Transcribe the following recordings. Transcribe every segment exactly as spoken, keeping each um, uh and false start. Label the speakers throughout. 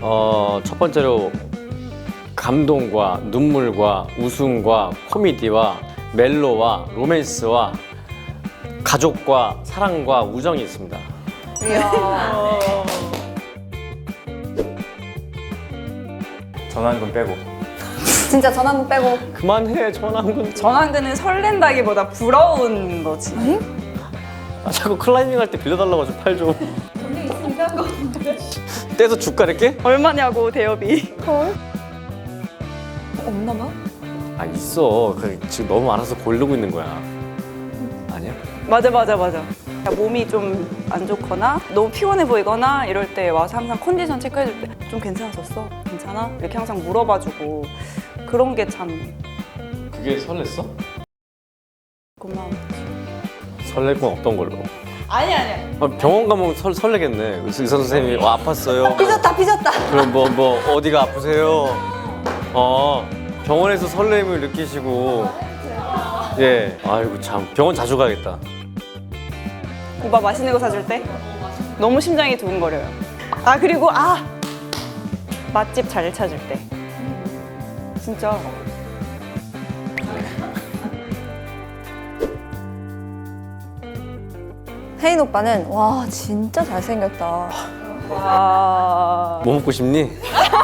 Speaker 1: 어, 첫 번째로 감동과 눈물과 웃음과 코미디와 멜로와 로맨스와 가족과 사랑과 우정이 있습니다.
Speaker 2: 이야.
Speaker 3: 전환금 빼고.
Speaker 2: 진짜 전환 빼고.
Speaker 1: 그만해 전환군.
Speaker 4: 전환근은 설렌다기보다 부러운 거지.
Speaker 1: 아, 자꾸 클라이밍 할 때 빌려달라고 좀 팔 좀. 떼서 줄까 이렇게?
Speaker 4: 얼마냐고 대여비.
Speaker 2: 없나 봐?
Speaker 1: 아 있어. 그 지금 너무 많아서 고르고 있는 거야. 아니야?
Speaker 4: 맞아 맞아 맞아. 몸이 좀 안 좋거나 너무 피곤해 보이거나 이럴 때 와서 항상 컨디션 체크해줄 때 좀 괜찮았었어? 괜찮아? 이렇게 항상 물어봐주고 그런 게 참
Speaker 1: 그게 설렜어?
Speaker 4: 고마워.
Speaker 1: 설렐 건 없던 걸로.
Speaker 4: 아니 아니야.
Speaker 1: 아, 병원 가면 설, 설레겠네. 의사 선생님이 와, 아팠어요.
Speaker 2: 삐졌다 삐졌다.
Speaker 1: 그럼 뭐, 뭐 어디가 아프세요? 어 병원에서 설렘을 느끼시고 예 아이고 참 병원 자주 가야겠다.
Speaker 4: 오빠 맛있는 거 사줄 때 너무 심장이 두근거려요. 아 그리고 아 맛집 잘 찾을 때 진짜
Speaker 2: 혜인 오빠는 와 진짜 잘생겼다.
Speaker 4: 와
Speaker 1: 뭐 먹고 싶니?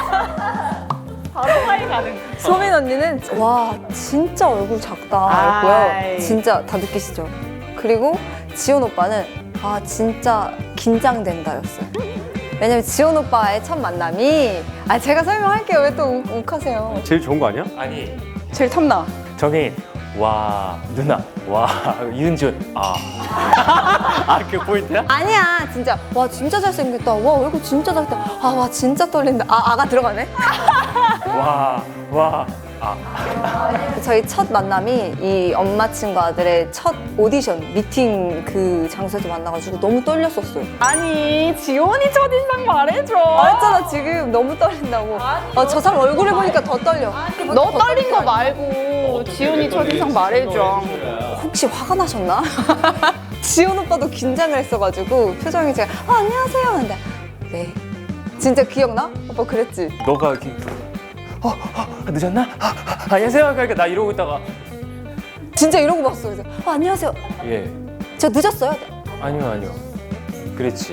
Speaker 4: 바로 화이 가는.
Speaker 2: 소민 언니는 와 진짜 얼굴 작다
Speaker 4: 아이.
Speaker 2: 했고요. 진짜 다 느끼시죠? 그리고 지원 오빠는 아 진짜 긴장된다였어요. 왜냐면 지원 오빠의 첫 만남이 아 제가 설명할게요. 왜 또 욱하세요?
Speaker 1: 제일 좋은 거 아니야?
Speaker 3: 아니,
Speaker 4: 제일 탐나.
Speaker 3: 정혜인. 와, 누나. 와, 이은준. 아.
Speaker 1: 아 그 포인트야?
Speaker 2: 아니야 진짜 와 진짜 잘생겼다. 와 얼굴 진짜 작다. 아 와 진짜 떨린다. 아 아가 들어가네.
Speaker 3: 와, 와. 아.
Speaker 2: 저희 첫 만남이 이 엄마 친구 아들의 첫 오디션 미팅 그 장소에서 만나가지고 너무 떨렸었어요.
Speaker 4: 아니 지원이 첫인상 말해줘.
Speaker 2: 말했잖아 지금 너무 떨린다고. 아, 저 사람 얼굴을 보니까 더 떨려.
Speaker 4: 너 떨린 거 말고 지원이 첫인상 말해줘.
Speaker 2: 혹시 화가 나셨나? 지원 오빠도 긴장을 했어가지고 표정이 제가 아, 안녕하세요 하는데 네 진짜 기억나? 오빠 그랬지?
Speaker 3: 너가 이렇게. 어, 어, 늦었나? 아, 아, 안녕하세요. 그러니까 나 이러고 있다가.
Speaker 2: 진짜 이러고 봤어. 그래서 아, 안녕하세요.
Speaker 3: 예.
Speaker 2: 저 늦었어요?
Speaker 3: 아니요, 아니요. 그랬지.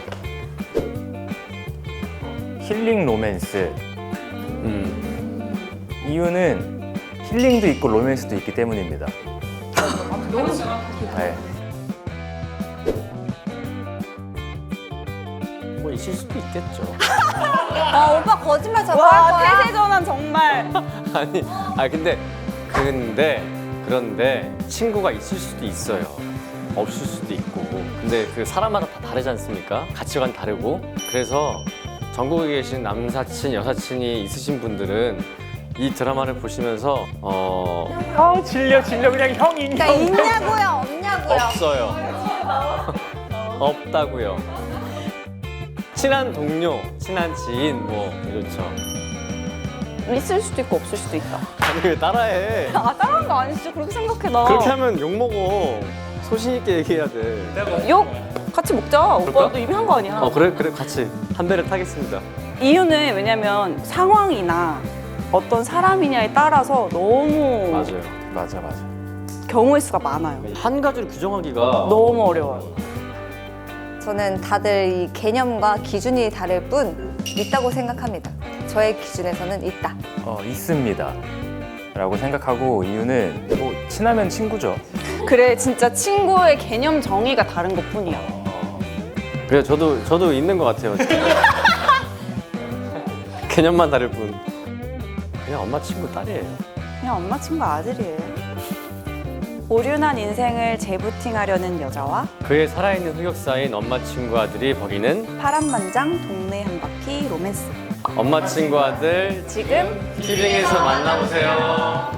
Speaker 3: 힐링 로맨스.
Speaker 1: 음
Speaker 3: 이유는 힐링도 있고 로맨스도 있기 때문입니다. 네.
Speaker 1: 뭐 있을 수도 있겠죠.
Speaker 2: 아 오빠 거짓말 자꾸 할
Speaker 4: 와
Speaker 2: 거야.
Speaker 4: 태세 전환 정말.
Speaker 1: 아니 아 근데 근데 그런데 친구가 있을 수도 있어요. 없을 수도 있고. 근데 그 사람마다 다 다르지 않습니까? 가치관 다르고. 그래서 전국에 계신 남사친, 여사친이 있으신 분들은 이 드라마를 보시면서 어
Speaker 3: 아, 질려, 질려. 그냥 형이
Speaker 2: 그러니까 있냐고요, 없냐고요.
Speaker 1: 없어요. 없다고요. 친한 동료, 친한 지인 뭐 이렇죠.
Speaker 4: 있을 수도 있고 없을 수도 있다.
Speaker 1: 아니 왜 따라해?
Speaker 4: 아 따라한 거 아니지? 그렇게 생각해 나.
Speaker 1: 그렇게 하면 욕 먹어. 소신 있게 얘기해야 돼.
Speaker 4: 욕 같이 먹자.
Speaker 1: 그럴까?
Speaker 4: 오빠도 이미 한 거 아니야?
Speaker 1: 어 그래 그래 같이 한 배를 타겠습니다.
Speaker 4: 이유는 왜냐면 상황이나 어떤 사람이냐에 따라서 너무
Speaker 1: 맞아요.
Speaker 3: 맞아, 맞아.
Speaker 4: 경우의 수가 많아요.
Speaker 1: 한 가지를 규정하기가
Speaker 4: 너무 어려워요.
Speaker 2: 저는 다들 이 개념과 기준이 다를 뿐 있다고 생각합니다. 저의 기준에서는 있다.
Speaker 3: 어, 있습니다. 라고 생각하고 이유는 뭐 친하면 친구죠.
Speaker 4: 그래 진짜 친구의 개념 정의가 다른 것뿐이야.
Speaker 1: 그래 저도 저도 있는 것 같아요. 개념만 다를 뿐. 그냥 엄마 친구 딸이에요.
Speaker 4: 그냥 엄마 친구 아들이에요. 오륜한 인생을 재부팅하려는 여자와
Speaker 1: 그의 살아있는 흑역사인 엄마 친구 아들이 버리는
Speaker 4: 파란만장 동네 한 바퀴 로맨스.
Speaker 1: 엄마 친구 아들
Speaker 4: 지금
Speaker 1: 티빙에서 만나보세요.